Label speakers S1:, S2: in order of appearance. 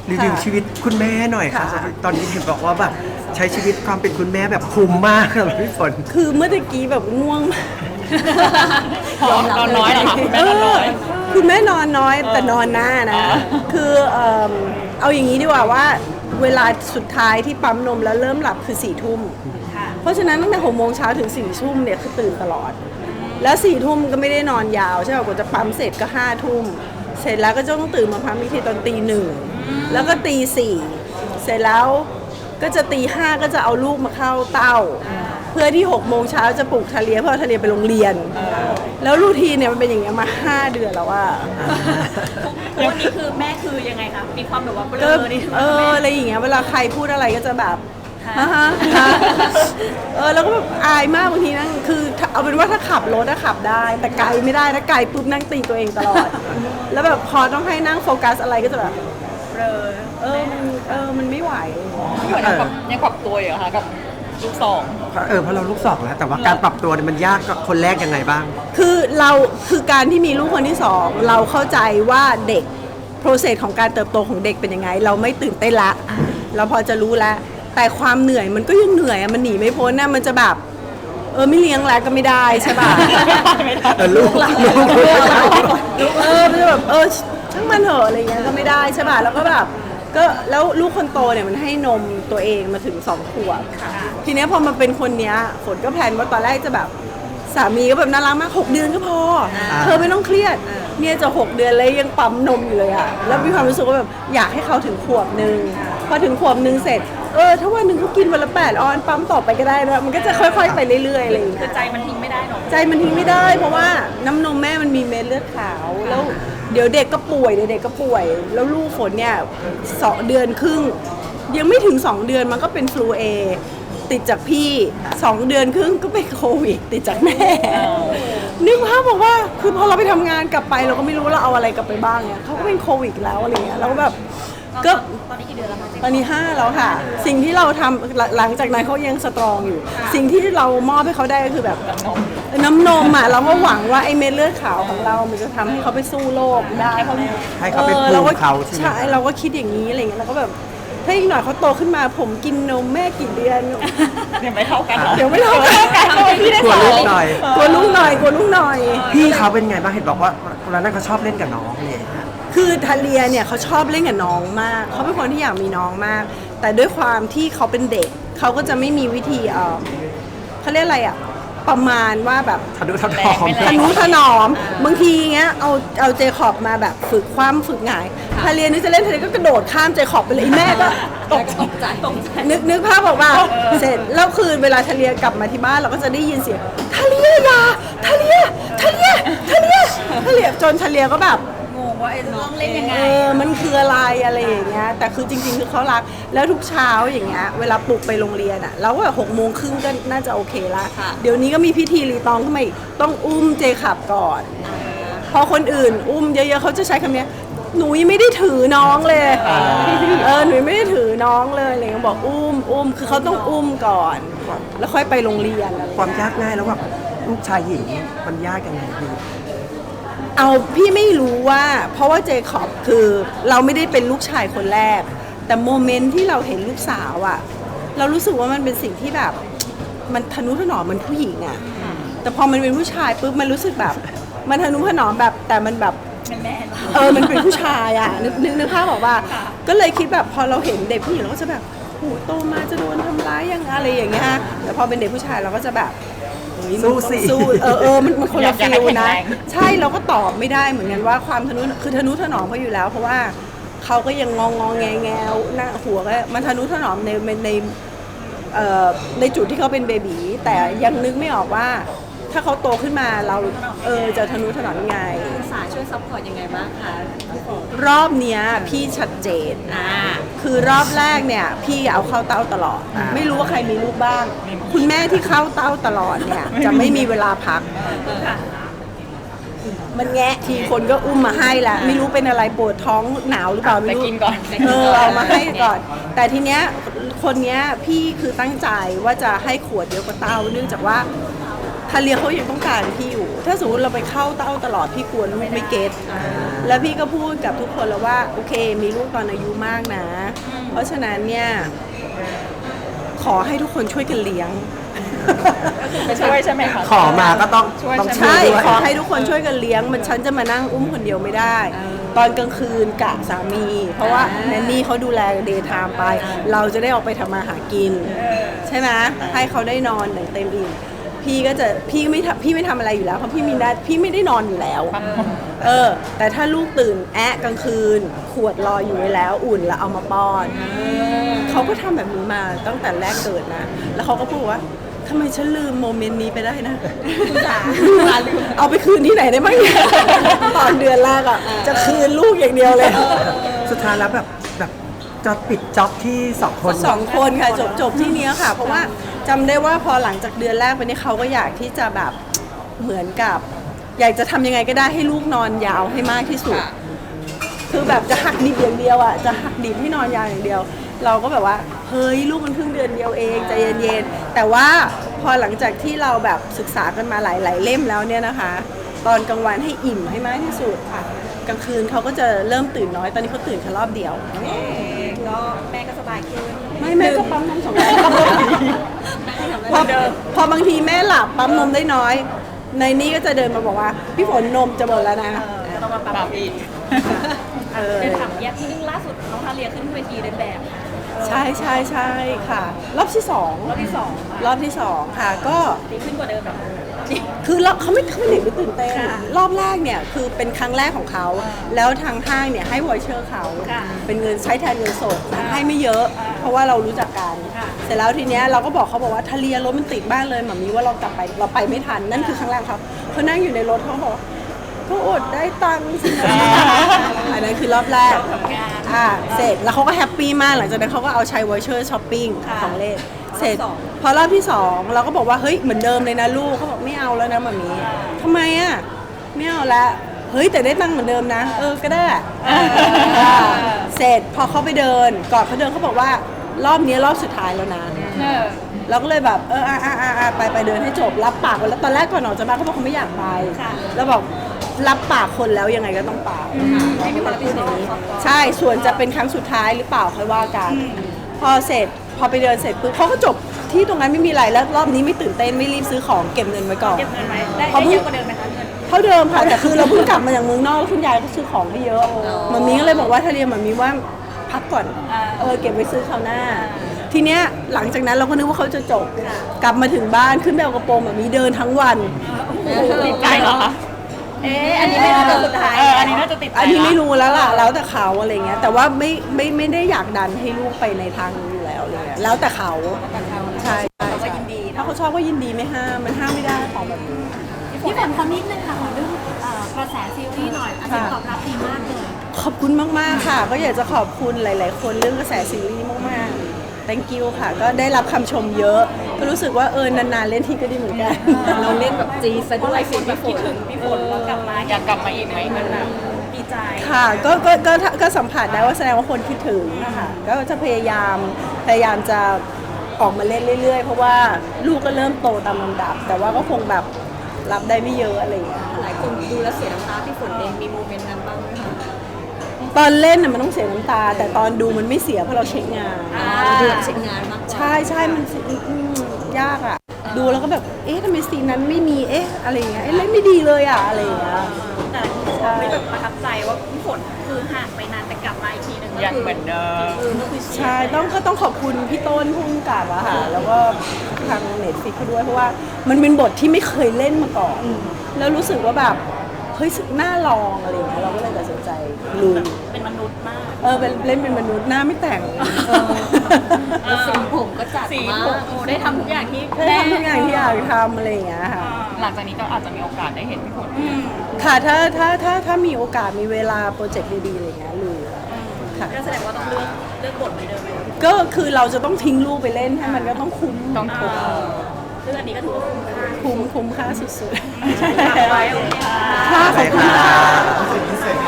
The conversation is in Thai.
S1: รีวิวชีวิตคุณแม่หน่อยค่ะ
S2: ค่ะ
S1: ตอนนี้เห็นบอกว่าแบบใช้ชีวิตความเป็นคุณแม่แบบคุ้มมากเลยพี่ฝน
S2: คือเมื่อตะกี้แบบง่วงมาก
S3: นอนน้อยเหรอคะคุณแม่นอนน้อย
S2: คุณแม่นอนน้อยแต่นอนหน้านะ คือเอาอย่างนี้ดีกว่าว่าเวลาสุดท้ายที่ปั๊มนมแล้วเริ่มหลับคือ4 ทุ่ม เพราะฉะนั้นตั้งแต่6 โมงเช้าถึง4 ทุ่มเนี่ยคือตื่นตลอด แล้ว4 ทุ่มก็ไม่ได้นอนยาวใช่ป่ะกว่าจะปั๊มเสร็จก็5 ทุ่ม เสร็จแล้วก็จะต้องตื่นมาปั๊มอีกทีตอนตี 1แล้วก็ตี 4เสร็จแล้วก็จะตี 5ก็จะเอาลูกมาเข้าเต้า เพื่อที่6 โมงเช้าจะปลุกทะเลียเพื่อเอาทะเลียไปโรงเรียน แล้วรูทีนเนี่ยมันเป็นอย่างเงี้ยมา5 เดือนแล้วว่า
S3: วันนี้คือแม่คือยังไงคะมีความแบบว่าเบล
S2: ก็
S3: อนี่
S2: อะไรอย่างเงี้ยเวลาใครพูดอะไรก็จะแบบฮะฮะแล้วก็แบบอายมากบางทีนั่งคือเอาเป็นว่าถ้าขับรถอะขับได้ แต่ไกลไม่ได้นะไกลปุ๊บนั่งตีตัวเองตลอด แล้วแบบพอต้องให้นั่งโฟกัสอะไรก็จะแบบ
S3: เบลอ
S2: มันไม่ไหว
S3: พี่ฝนยังปรับตัวอยู่เหรอคะกับลูกสอง
S1: เพราะเราลูกสองแล้วแต่ว่าการปรับตัวเนี่ยมันยากกับคนแรกยังไงบ้าง
S2: คือการที่มีลูกคนที่ 2เราเข้าใจว่าเด็กโปรเซสของการเติบโตของเด็กเป็นยังไง เราไม่ตื่นเต้นละเราพอจะรู้แล้วแต่ความเหนื่อยมันก็ยังเหนื่อยอะมันหนีไม่พ้นนะมันจะแบบไม่เลี้ยงแล้วก็ไม่ได้ใช่ป่ะ
S1: ลูก
S2: มันจะแบบช่างมันเถอะอะไรเงี้ยก็ไม่ได้ใช่ป่ะแล้วก็แบบก็แล้วลูกคนโตเนี่ยมันให้นมตัวเองมาถึง2 ขวบทีเนี้ยพอมาเป็นคนเนี้ยฝนก็แพลนว่าตอนแรกจะแบบสามีก็แบบน่ารักมาก6 เดือนก็พอเธอไม่ต้องเครียดเนี่ยจะ6 เดือนเลยยังปั๊มนมอยู่เลยอะแล้วมีความรู้สึกว่าแบบอยากให้เขาถึงขวบนึงพอถึงขวบนึงเสร็จถ้าวันหนึ่งเขากินวันละ8 ออนปั๊มต่อไปก็ได้นะมันก็จะค่อยๆไปเรื่อยๆอะไรอย่างเงี้
S3: คือย ใจมันทิ้งไม่ได้เนาะ
S2: ใจมันทิ้งไม่ได้เพราะว่าน้ำนมแม่มันมีเม็ดเลือดขาวแล้วเดี๋ยวเด็กก็ป่วยแล้วลูกฝนเนี่ย2 เดือนครึ่งยังไม่ถึง2 เดือนมันก็เป็นฟลูเอติดจากพี่2 เดือนครึ่งก็เป็นโควิดติดจากแม่นึกภาพบอกว่าคือพอเราไปทำงานกลับไปเราก็ไม่รู้เราเอาอะไรกลับไปบ้างเนี่ยเขาก็เป็นโควิดแล้วอะไรเงี้ยเราก็แบบก็
S3: ตอนนี้กี่เดือนแล้วคะ
S2: ตอนนี้5แล้วค่ะ สิ่งที่เราทำหลังจากนั้นเขายังสตรองอยู่ สิ่งที่เรามอบให้เขาได้ก็คือแบบน้ำนมอ่ะเราก็หวังว่าไอ้เม็ดเลือดขาวของเรา มันจะทำให้เขาไปสู้โรคได้เพราะ
S1: ให้เขาไปปลูกเขาใช่ไหม
S2: ใช่เราก็คิดอย่างนี้อะไรเงี้ยเราก็แบบถ้าอีกหน่อยเขาโตขึ้นมาผมกินนมแม่กี่เดือน
S3: เดี๋ยวไม่เท่ากัน
S2: เดี๋ยวไม่เท่ากัน
S3: พี่ได้
S1: กลัว
S3: สอ
S1: ลูก
S3: ง
S1: หน่อย
S2: กลัวลูกหน่อยกลัวลูกหน่อย
S1: พี่เขาเป็นไงบ้างเห็นบอกว่าเวลานั้นเขาชอบเล่นกับน้องเนี่ย
S2: คือทาเลียเนี่ยเขาชอบเล่นกับน้องมาก เขาเป็นคนที่อยากมีน้องมาก แต่ด้วยความที่เขาเป็นเด็ก เขาก็จะไม่มีวิธีเขาเรียกอะไรอ่ะ ประมาณว่าแบบ
S1: ทะนุถนอม
S2: ทนุถนอม บางทีเงี้ยเอาเจคอบมาแบบฝึกความฝึกหงายทาเลียนึกจะเล่นทาเลียก็กระโดดข้ามเจคอบไปเลยแม่ก็
S3: ตกใจ
S2: นึกภาพบอกว่าเสร็จแล้วคือเวลาทะเลียกลับมาที่บ้านเราก็จะได้ยินเสียงทะเลียอย่าทะเลียจนทะเลียก็แบบ
S3: งงว่าจะต้องเล่นยังไง
S2: มันคืออะไรอย่างเงี้ยแต่คือจริงๆคือเขารักแล้วทุกเช้าอย่างเงี้ยเวลาปลุกไปโรงเรียนอะเราก็แบบ6 โมงครึ่งก็น่าจะโอเคละ
S3: ค่ะ
S2: เดี๋ยวนี้ก็มีพิธีรีตองขึ้นมาอีกต้องอุ้มเจขับก่อนพอคนอื่นอุ้มเยอะๆเขาจะใช้คำเนี้ยหนูยังไม่ได้ถือน้องเลยหนูยังไม่ได้ถือน้องเลยอะไรเงี้ยบอกอุ้มคือเขาต้องอุ้มก่อน แล้วค่อยไปโรงเรียนอะไร
S1: ความยากง่ายแล้วแบบลูกชายหญิงมันยากยังไงพี่
S2: เอาพี่ไม่รู้ว่าเพราะว่าเจคอบคือเราไม่ได้เป็นลูกชายคนแรก แต่โมเมนต์ที่เราเห็นลูกสาวอะเรารู้สึกว่ามันเป็นสิ่งที่แบบมันทะนุถนอมมันผู้หญิงอะแต่พอมันเป็นผู้ชายปุ๊บมันรู้สึกแบบมันทะนุถนอมแบบแต่มันแบบ
S3: แม่
S2: มันเป็นผู้ชายอะนึกภาพบอกว่า ก็เลยคิดแบบพอเราเห็นเด็กผู้หญิงเราก็จะแบบโหโตมาจะโดนทำร้ายยังอะไรอย่างเงี้ยแต่พอเป็นเด็กผู้ชายเราก็จะแบบเฮ้ยมัน
S1: สู้สิ
S2: ต้องสู้มันคนละฟิลนะ ใช่เราก็ตอบไม่ได้เหมือนกันว่าความทะนุคือทะนุถนอมเขาอยู่แล้ว เพราะว่าเขาก็ยังงอแงหน้าหัวก็มันทะนุถนอมในจุดที่เขาเป็นเบบีแต่ยังนึกไม่ออกว่า ถ้าเขาโตขึ้นมาเราจะทะนุถนอมยังไง
S3: สายช่วยซัพพอร์ตยังไงบ้างคะ
S2: รอบเนี้ยพี่ชัดเจนคือรอบแรกเนี่ยพี่เอาเข้าเต้าตลอด ไม่รู้ว่าใครมีลูกบ้าง คุณแม่ที่เข้าเต้าตลอดเนี่ยจะไม่มีเวลาพัก มันแงะทีคนก็อุ้มมาให้ละไม่รู้เป็นอะไรปวดท้องหนาวหรือเปล่าไม่รู้
S3: ไปกินก่อน
S2: เอามาให้ก่อน แต่ทีเนี้ยคนเนี้ยพี่คือตั้งใจว่าจะให้ขวดเดียวกับเต้าเนื่องจากว่าทาเลียเขายังต้องการพี่อยู่ ถ้าสมมติเราไปเข้าเต้าตลอดพี่กลัวลูกไม่เก็ตแล้วพี่ก็พูดกับทุกคนแล้วว่าโอเคมีลูกตอนอายุมากนะ เพราะฉะนั้นเนี่ยขอให้ทุกคนช่วยกันเลี้ยง
S3: ไม่ช่วยใช่ไหมคะ
S1: ขอมาก็ต้อง
S3: ช่วย
S1: ต้อง
S3: ใช่ไหม
S1: ช่วย
S2: ใช่
S1: ด้วย
S2: ขอให้ทุกคนช่วยกันเลี้ยง มันฉันจะมานั่งอุ้มคนเดียวไม่ได้ ตอนกลางคืนกะสามี เพราะว่าแนนนี่เขาดูแลเดย์ไทม์ไป เราจะได้ออกไปทำมาหากิน ใช่ไหมให้เขาได้นอนอย่างเต็มอิ่มพี่ก็จะพี่ไม่ทำอะไรอยู่แล้วเพราะพี่มีนัดพี่ไม่ได้นอนอยู่แล้ว แต่ถ้าลูกตื่นแอะกลางคืน ขวดรออยู่ไว้แล้วอุ่นแล้วเอามาป้อนเขาก็ทำแบบนี้มาตั้งแต่แรกเกิดนะ แล้วเขาก็พูดว่าทำไมฉันลืมโมเมนต์นี้ไปได้นะเอาไปคืนที่ไหนได้บ้างเนี่ยตอนเดือนแรกอ่ะจะคืนลูกอย่างเดียวเลย
S1: สุดท้ายแล้วแบบจะปิดจ็อบที่2 คน
S2: 2 คนค่ะจบที่เนี้ยค่ะ เพราะว่าจำได้ว่าพอหลังจากเดือนแรกไปนี่เขาก็อยากที่จะแบบเหมือนกับ อยากจะทำยังไงก็ได้ให้ลูกนอนยาวให้มากที่สุด คือแบบจะหักดิบอย่างเดียวอ่ะจะหักดิบให้นอนยาวอย่างเดียว เราก็แบบว่าเฮ้ยลูกมันเพิ่งเดือนเดียวเองใจเย็นๆแต่ว่าพอหลังจากที่เราแบบศึกษากันมาหลายๆเล่มแล้วเนี่ยนะคะ ตอนกลางวันให้อิ่มให้มากที่สุดค่ะกลางคืนเขาก็จะเริ่มตื่นน้อยตอนนี้เขาตื่นแค่รอบเดียว
S3: ก็แม่ก็สบายขึ้น
S2: ไม่แม่ก็ปั๊มนม2 รอบพอบางทีแม่หลับปั๊มนมได้น้อย ในนี้ก็จะเดินมาบอกว่าพี่ฝนนมจะหมดแล้วนะ
S3: ก็ต้องมาปรับอีกเดินถามแยกที่นึงล่าสุดน้องทาเลียขึ้นเวทีเดินแบบ
S2: ใช่ค่ะ รอบที่สอง
S3: รอบที่สอง
S2: รอบที่สองค่ะก็
S3: ดีขึ้นกว่าเดิมแบบ
S2: คือเขาไม่เห็นไม่ตื่นเต้นรอบแรกเนี่ยคือเป็นครั้งแรกของเขา แล้วทางห้างเนี่ยให้วอยเชอร์เขาเป็นเงินใช้แทนเงินสดให้ไม่เยอะ เพราะว่าเรารู้จักกันเสร็จแล้วทีเนี้ยเราก็บอกเขาบอกว่าทะเลียรถมันติดบ้านเลยหมามีว่าเรากลับไปเราไปไม่ทันนั่นคือครั้งแรกเขานั่งอยู่ในรถเขาบอกก็อดได้ตังค์สินะอันนั้นคือรอบแรกเสร็จแล้วเขาก็แฮปปี้มากหลังจากนั้นเขาก็เอาใช้วอยเชอร์ช้อปปิ้งของเล่นเสร็จพอรอบที่2เราก็บอกว่าเฮ้ยเหมือนเดิมเลยนะลูกเขาบอกไม่เอาแล้วนะหมามีทำไมอ่ะไม่เอาละเฮ้ยแต่ได้ตังค์เหมือนเดิมนะก็ได้เสร็จพอเขาไปเดินก่อนเขาเดินเขาบอกว่ารอบนี้รอบสุดท้ายแล้วนะเราก็เลยแบบไปเดินให้จบรับปากไว้แล้วตอนแรกก่อนออกจากบ้านเขาบอกเขาไม่อยากไปแล้วบอกรับปากคนแล้วยังไงก็ต้องไปไม่มีคนพูดอย่างนี้ใช่ส่วนจะเป็นครั้งสุดท้ายหรือเปล่าค่อยว่ากันพอไปเดินเสร็จปุ๊บเขาก็จบที่ตรงนั้นไม่มีอะไรแล้วรอบนี้ไม่ตื่นเต้นไม่รีบซื้อของเก็บเงินไว้ก่อน
S3: เก็บเงินไว้ได้เยอะกว่าเดิมไหมคะเงิน
S2: เท่าเดิมค่ะแต่คือเราเพิ่งกลับมาจากเมืองนอกแล้วคุณยายก็ซื้อของไม่เยอะมัมมี่ก็เลยบอกว่าถ้าเรียนมัมมี่ว่าพักก่อนเก็บไว้ซื้อคราวหน้า ทีเนี้ยหลังจากนั้นเราก็นึกว่าเขาจะจบกลับมาถึงบ้านขึ้นไปเอากระโปรงมัมมี่เดินทั้งวัน
S3: ติดใจเหรอคะอันนี้ไม่น่าจะสุดท้ายอันนี้น่าจะติดใจ
S2: อันนี้ไม่รู้แล้วล่ะแล้วแต่เขาอะไรเงี้ยแต่ว่าไม่ได้อยากดันให้ลูกไปในทางนี้อยู่แล้วอะไรเลยแล้วแต่เขาใช่ถ้าเขาชอบก็ยินดีไม่ห้ามมันห้ามไม่ได้ของแบบนี้
S4: พี่ฝนขอนิดนึงค่ะขอเรื่องกระแสซีรีส์หน่อยอันนี้ตอบรับดีมากเลย
S2: ขอบคุณมากๆค่ะ ก็อยากจะขอบคุณหลาย ๆ คนเรื่องกระแสซีรีส์มากๆ thank you ค่ะ ก็ได้รับคำชมเยอะ ก็รู้สึกว่านานๆเล่นทีก็ดีเหมือนกัน
S3: เราเล่นแบบจีซะด้วยสิพี่ฝนพี่ฝนแล้วกลับมาอยากกลับมาอีกไหมมันแบบดีใจ
S2: ค่ะก็สัมผัสได้ว่าแสดงว่าคนคิดถึงนะคะก็จะพยายามจะออกมาเล่นเรื่อย ๆ เพราะว่าลูกก็เริ่มโตตามลำดับ แต่ว่าก็คงแบบรับได้ไม่เยอะอะไรอย่างเงี้ย
S3: หลายคนดูแล้วเสียน้ำตาพี่ฝนเองมีโมเมนต์นั้นบ้างไหมคะ
S2: ตอนเล่นน่ะมันต้องเสียน้ำตา แต่ตอนดูมันไม่เสียเพราะเราเช็คงาน
S3: ดูเช็คงานมาก
S2: ใช่มันยากอ่ะ ดูแล้วก็แบบทำไมซีนนั้นไม่มีอะไรอย่างเงี้ยเล่นไม่ดีเลยอ่ะอะไรอย่างเงี้ย
S3: แต่ไม่แบบประทับใจว่าพี่ฝนคือห่างไปนานแต่กลับมาอีกทีนึงก็คือเหมือนเดิม
S2: ใช่ต้องขอบคุณพี่ต้นพุ่งกับอะค่ะแล้วก็ทางเน็ตฟิกเขาด้วยเพราะว่ามันเป็นบทที่ไม่เคยเล่นมาก่อนแล้วรู้สึกว่าแบบเฮ้ยน่าลองอะไรอย่างเงี้ยเราก็เลยตัดสินใจลุย
S3: เป็นมนุษย์มาก
S2: เล่นเป็นมนุษย์หน้าไม่แต่ง
S3: สีผมก็จัดมากได้ทำทุกอย่างที่
S2: ได้ทำทุกอย่างที่อยากทำอะไรอย่างเงี้ยค่ะ
S3: หลังจากนี้ก็อาจจะมีโอกาสได้เห็นพี่ฝน
S2: ค่ะถ้ามีโอกาสมีเวลาโปรเจกต์ดีๆอะไรอย่างเงี้ยลุยค่ะ
S3: ก็แสดงว่าต้องเลือกบทเหมือนเดิมไหม
S2: ก็คือเราจะต้องทิ้งลูกไปเล่นให้มันก็ต้องคุ้ม
S3: ต้องถูกซึ่งอันนี้ก็ถือว่าคุ้มค่า
S2: คุ้มค่าสุดๆ
S3: ใช่ค่ะไว้โอเคค่ะ
S2: ค่ะขอบคุณค่ะ